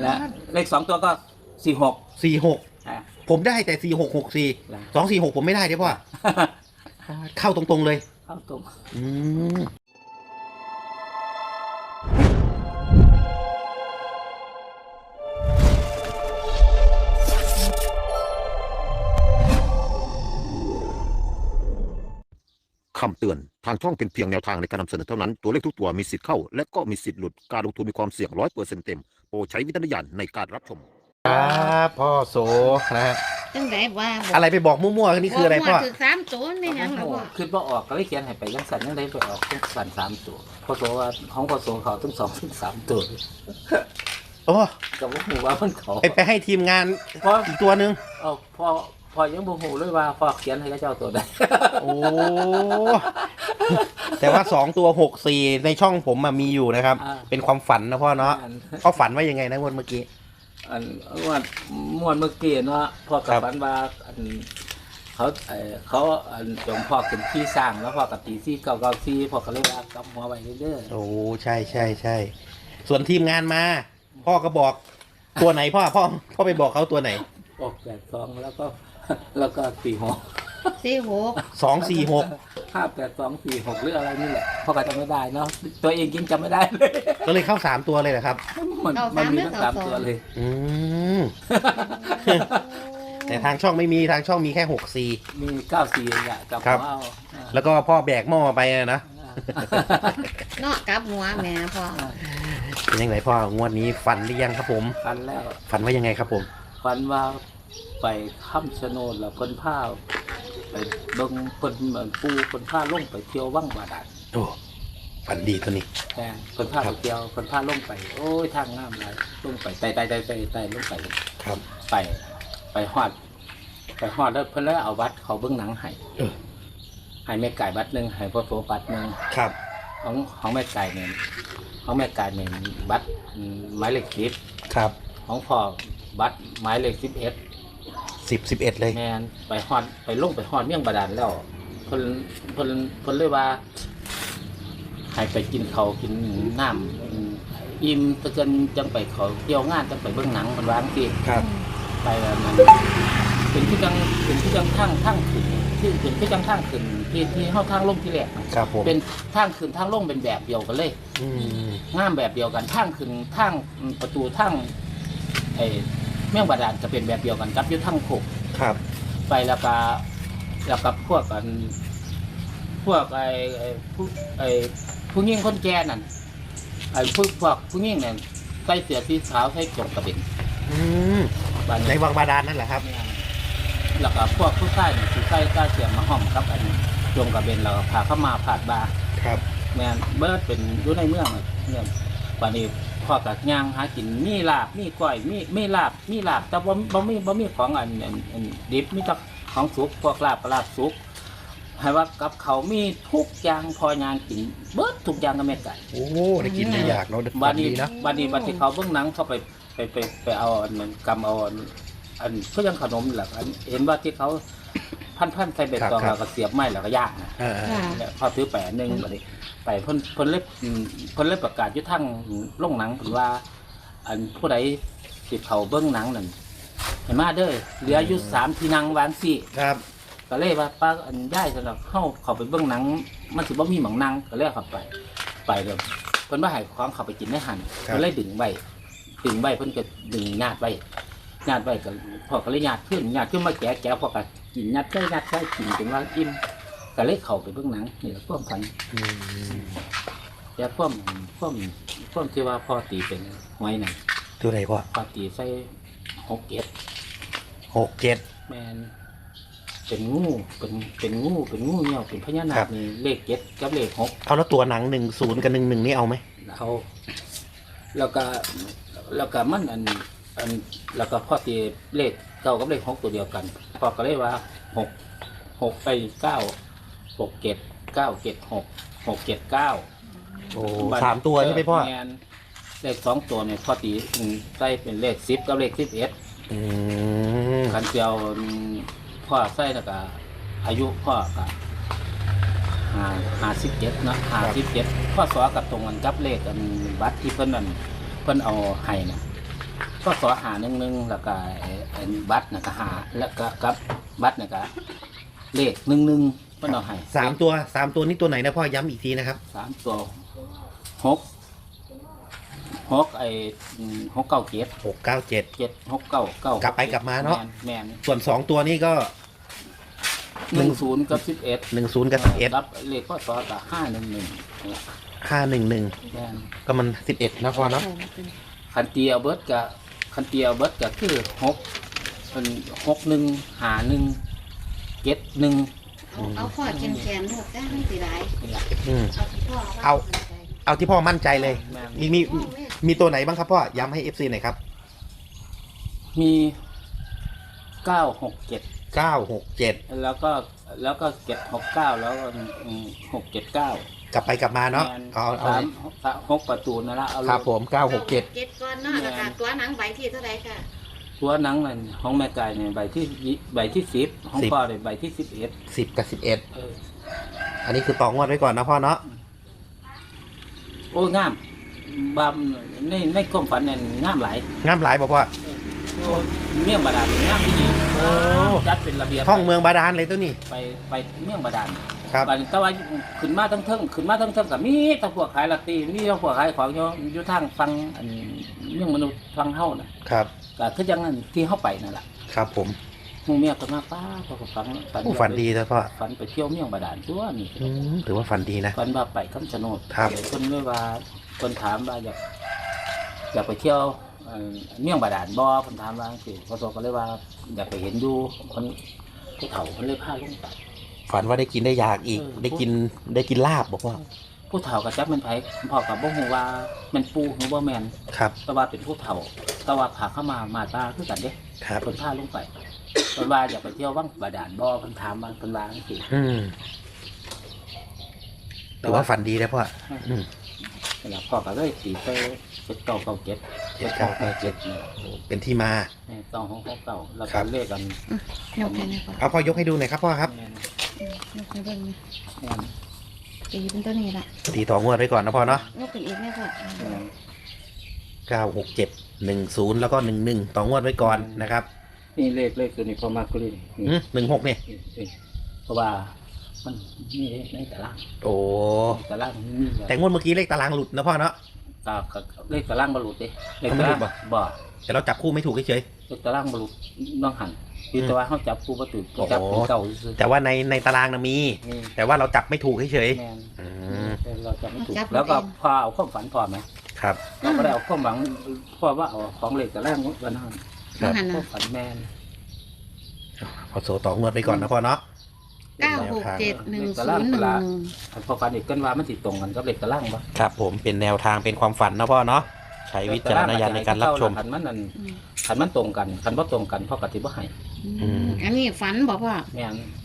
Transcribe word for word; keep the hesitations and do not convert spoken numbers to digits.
และเลขสองตัวก็สี่หกสี่หกอ่าผมได้แต่สี่หกหกสี่นะสองสี่หกผมไม่ได้เด้พ่อเข้าตรงๆเลยเข้าตรงอืมคำเตือน ทางช่องเป็นเพียงแนวทางในการนำเสนอเท่านั้น ตัวเลขทุกตัวมีสิทธิ์เข้า และก็มีสิทธิ์หลุด การลงทุนมีความเสี่ยงร้อยเปอร์เซ็นต์เต็ม โปรดใช้วิจารณญาณในการรับชมครับพ่อโสนะฮะจังไดว่าบกอะไรไปบอกมั่วๆนี่คืออะไรพ่อถือสามตัวไม่หยังหรอกพ่อคือพอออกก็เลยเขียนให้ไปยังสันยังได้ไปออกต้องสันสามตัวพอโสว่าของพอโสเขาต้องสองถึงสามตัวโอ้กับว่าหูว่ามันเขาไปไปให้ทีมงานเพราะอีกตัวหนึ่งเอาพอพอยังบ่หูเลยว่าพอเขียนให้เขาเจ้าตัวได้โอ้แต่ว่าสองตัวหกสี่ในช่องผมอะมีอยู่นะครับอ่าเป็นความฝันนะพ่อเนาะอันพ่อฝันว่ายังไงนะงวดเมื่อกี้อันม่วนม่วนเมื่อกี้เนาะพ่อกับครับฝันว่าอันเขาเออเขาอันจงพ่อขึ้นที่สร้างแล้วพ่อกับตีซี่เก่าเก่าซี่พ่อก็เลยว่ากำหัวไว้เรื่อยโอ้ใช่ใช่ใช่ส่วนทีมงานมา พ่อก็บอกตัวไหนพ่อพ่อพ่อไปบอกเขาตัวไหนๆออกแปดสองแล้วก็ แล้วก็สี่หกสี่หกสองสี่หกห้าแปดสองสี่หกหรืออะไรนี่แหละพ่อก็จำไม่ได้เนาะตัวเองกินจำไม่ได้เลยก็เลยเข้าสามตัวเลยนะครับมันมันมีทั้งสามตัวเลยอืม แต่ทางช่องไม่มีทางช่องมีแค่หกสี่มีเก้าสี่อ่ะกับครับเอาแล้วก็พ่อแบกหม้อไปนะเนาะกลับหัวแม่พ่อเป็นยังไงพ่องวดนี้ฝันหรือยังครับผมฟันแล้วฝันว่ายังไงครับผมฟันว่าไปค้ำชะโนดแล้วคนผ้าไปเบิ่งคนเหมือนปูคนผ้าลงไปเที่ยวว่างบาดาลโอ้ฝันดีตัวนี้แต่คนผ้าครัไปบเที่ยวคนผ้าลงไป โอ้ยทางน้ำไหลลงไปไต่ไต่ไต่ไต่ไต่ลงไปครับไปไปฮอด ไปฮอดแล้วเพิ่นเลยเอาบัตรเขาเบิ่งหนังให้เออให้แม่ไก่บัตรหนึ่งให้พ่อโสบัตรหนึ่งครับของของแม่ไก่เนี่ยของแม่ไก่เนี่ยบัตรอืมหมายเลขสิบครับของพ่อบัตรหมายเลขสิบเอ็ดสิบสิบเอ็ดเลยแมนไปฮอดไปลงไปฮอดเมี่ยงบาดาลแล้วเพิ่นเพิ่นเพิ่นเลยว่าให้ไปกินเขาวกินน้ำอืมอิ่มตะเกินจังไปเขาเที่ยวงานจังไปเบิ่งหนังมันวาจั่งที่ครับไปแล้วมันเป็นที่จังเป็นที่จังทางทางขึ้นที่เป็นที่จังทางขึ้นที่ที่เฮาทางลงที่แรกน่ะครับผมเป็นทางขึ้นทางลงเป็นแบบเดียวกันเลยอืมงามแบบเดียวกันทางขึ้นทางประตูทางไอ้เมี่ยงบาดาลจะเป็นแบบเดียวกันกับอยู่ทางโคกครับไปแล้วก็แล้วกับพวกกัน พวกไอ้ไอ้ผู้ไอ้ผู้หญิงคนแก่นั่นไอ้พวกพวกผู้หญิงนั่นใส่เสื้อสีขาวใส่จงกระเบนอืมบานในนี้วังบาดาลนั่นแหละครับแล้วก็พวกผู้ชายนี่สิใส่กาเสียมมาห้อมครับอันนี้จงกระเบนแล้วก็พาเข้ามาผาดบาครับแม่นเบิดเป็นอยู่ในเมืองอะเนี่ยบานนี้พ่อกับย่างหากินมีลาบมีก้อยมีมีลาบมีลาบแต่บ่บ่มีบ่มีของอันอันอันดิบมีแต่ของสุกพวกลาบกับลาบสุกให้ว่ากับเขามีทุกอย่างพอยางกินเบิดทุกอย่างก็แม่ไก่โอ้ได้กินได้อยากเนาะบาฝัดนนี้ดีเนาะบาดนี้บาดที่เขาเบื้องหนังเขาไปไปไปไปเอาอันนั้นกำเอาอันอันเพื่อยังขนมนี่แหละอันเห็นว่าที่เขาพันพันใส่เบ็ดตองแล้วก็เสียบไม้แล้วก็ย่างนะอ่าค่ะแล้วพอซื้อแปะหนึ่งบาดนี้ไปเพิ่นเพิ่นเล็บเพิ่นเล็บประกาศอยุ่ทั้งโรงหนังเพิ่นว่า อันผู้ใดสิเขาเบื้องหนังนั่นเห็นมาเด้อเหลืออยู่สามที่นั่งวางสี่ครับก็เลยว่าป้าอันย่ายสำหรับเข้าเขาไปเบื้องหนัง มันสิบ่มีหมังนั่งก็เลยเข้าไป ไปเดี๋ยวเพิ่นว่าให้ของเขาไปกินได้หันเพิ่นเลยดึงใบดึงใบเพิ่นก็ดึงญาติใบญาติใบก็พ่อก็เลยญาติขึ้นญาติขึ้นมาแกะแกะพ่อก็กินญาติใส่ญาติใส่กินจนว่าอิ่มก็เลยเข้าไปเบื้องหนังนี่แหละความฝันอืมแต่ความความความที่ว่าพ่อตีเป็นหวยนั่นตัวไหนพ่อพ่อตีใส่หกเกตหกเจ็ดแมนเป็นงูเป็นเป็นงูเป็นงูเงี้ยวเป็นพญานาครัคบนี่เลขเจ็ดกับเลขหกเอาแล้วตัวหนังหนึ่งศูนย์กับหนึ่งหนึ่งนี่เอาไหมเขาแล้วก็แล้วก็มันอันอันแล้วก็พ่อตีเลขเก้ากับเลขหกตัวเดียวกันพ่อก็เลยว่าหกหกไปเก้าหกเจ็ดเก้าเจ็ดหกหกเจ็ดเก้าโอ้สามตัวใช่ไหมพ่อแนเลขสองตัวเนี่ยพ่อตีอืมใส่เป็นเลขสิบกับเลขสิบเอ็ดอืมคันเดียวพ่อใส่แล้วก็อายุพ่อก็ห้าห้าสิบเจ็ดเนาะห้าสิบเจ็ดพ่อสอกับตรงกันกับเลขอันบัตรที่เพิ่นนั่นเพิ่นเอาให้นะก็สอหาหนึ่งหนึ่งแล้วก็ไอ้ไอ้บัตรน่ะก็หาแล้วก็กับบัตรน่ะก็เลขหนึ่งหนึ่งเพิ่นเอาให้สามตัวสามตัวนี้ตัวไหนนะพ่อย้ำอีกทีนะครับสามตัวหกหกไอ้อืมหกเก้าเจ็ดหกเก้าเจ็ดเจ็ดหกเก้าเก้ากลับไปกลับมาเนาะแมนส่วนสองตัวนี้ก็หนึ่งศูนย์กับสิบเอ็ดหนึ่งศูนย์กับสิบเอ็ดรับเลขข้อสอกับห้าหนึ่งหนึ่งห้าหนึ่งหนึ่งแมนก็มันสิบเอ็ดนะพ่อเนาะคันเตียเบิร์ดกับคันเตียเบิร์ดกับคือหกเป็นหกหนึ่งหาหนึ่งเจ็ดหนึ่งเอาเอาพ่อแขนแขนลูกได้ไม่สิไรนี่แหละอืมเอาที่พ่อว่เอา เอาที่พ่อมั่นใจเลยแมนมีมีมีตัวไหนบ้างครับพ่อย้ำให้เอฟซีหน่อยครับมีเก้าหกเจ็ดเก้าหกเจ็ดแล้วก็แล้วก็เจ็ดหกเก้าแล้วก็หกเจ็ดเก้ากลับไปกลับมาเนาะเอาเอาสามสามหกประตูนั่นละเอาครับผมเก้าหกเจ็ดเจ็ดก้อนเนาะแล้วก็ตัวหนังใบที่เท่าไหร่ค่ะตัวหนังนั่นของแม่ไก่เนี่ยใบที่ยี่ใบที่สิบของพ่อเนี่ยใบที่สิบเอ็ดสิบกับสิบเอ็ดเอออันนี้คือต่องวดไว้ก่อนนะพ่อเนาะโอ้ยงามบามในในความฝันเนี่ยงามหลายงามหลายบอกพ่อโอ้ยเมี่ยงบาดาลงามที่ดีโอ้จัดเป็นระเบียบห้องเมืองบาดาลเลยตัวนี้ไปไปเมี่ยงบาดาลครับบัดนี้แต่ว่าขึ้นมาทั้งเทิงขึ้นมาทั้งเทิงกับมีแตะพวกขายลอตเตอรี่มีแตะพวกขายของอยู่อยู่ทางฟังอันเมี่ยงมนุษย์ฟังเฮาน่ะครับก็คือจังนั้นที่เฮาไปนั่นแหละครับผมหมู่เมียก็มาป้าพอก็ฟังโอ้ฝันดีนะพ่อฝันไปเที่ยวเมี่ยงบาดาลตัวนี่อืมถือว่าฝันดีนะฝันว่าไปคำชะโนดครับคนเลยว่าคนถามว่าอยากอยากไปเที่ยวเอ่อเมี่ยงบาดาลบ่คนถามว่าสิพอโตก็เลยว่าอยากไปเห็นอยู่คนผู้เฒ่าคนเลยพาลงไปฝันว่าได้กินได้อยากอีกเออได้กินได้กินลาบบอกว่าผู้เฒ่าก็จักแมันไผพ่อกับบ่ฮู้ว่าแมันปูหรือบ่แม่นครับแต่ว่าเป็นผู้เฒ่าแต่ว่าพาเข้ามามาตาคือกันเด้ครับเพิ่นพาลงไปเพิ่นว่าอยากไปเที่ยววังบาดาลบ่เพิ่นถามว่าเพิ่นว่าจังซี่อืมถือว่าฝันดีนะพ่ออืมแล้วพ่อก็เลยตีไปเจ็ดเก้าเก้าเจ็ดเจ็ดเก้าเก้าเจ็ดนี่เป็นที่มาสองหกหกเก้าแล้วครัก็บเลขกันยกให้นะพ่อเอาพ่อยกให้ดูหน่อยครับพ่อครับแม่นยกให้เบิ่งนะแม่นตีเป็นตัวนี้ละตีต่องวดไว้ก่อนนะพ่อเนาะยกขึ้นอีกแม่พ่อแม่นเก้าหกเจ็ดหนึ่งศูนย์แล้วก็หนึ่งหนึ่งต่องวดไว้ก่อนนะครับนี่เลขเลขตัวนี้พอมากก็เลยนี่หนึ่งหกเนี่ยนี่นี่เพราะว่ามันนี่ในตารางโอ้ตารางนี่แต่งวดเมื่อกี้เลขตารางหลุดนะพ่อเนาะตากับเลขตารางบรรลุเด้เลขเขาไม่ตาหลุรางดบ่บ่แต่เราจับคู่ไม่ถูกเฉยเลขตารางบรรลุน้องหันคือแต่ว่าเขาจับคู่ประตูโอ้โหจับเป็นเก่าซื่อๆแต่ว่าในในตารางนะมีนี่แต่ว่าเราจับไม่ถูกเฉยแม่นๆอืมเราจับไม่ถูกแล้วก็พอเอาความฝันพอไหมครับเราก็ได้เอาความหวังเพราะว่าเอาของเลขตารางวันนั้นครับหันควานะมฝันแม่นพอโซต่องวดไปก่อนนะพ่อเนาะเก้าหกเจ็ดหนึ่งศูนย์หนึ่งหนึ่งพอฝันอีกกันว่ามันติดตรงกันกับเลขตารางปะครับผมเป็นแนวทางเป็นความฝันนะพ่อเนาะใช้วิจารณญาณในการรับชมขันมันนั่นอืมขันมันตรงกันขันว่าตรงกันพ่อกติบ่ให้อืมอันนี้ฝันบอกพ่อแม่น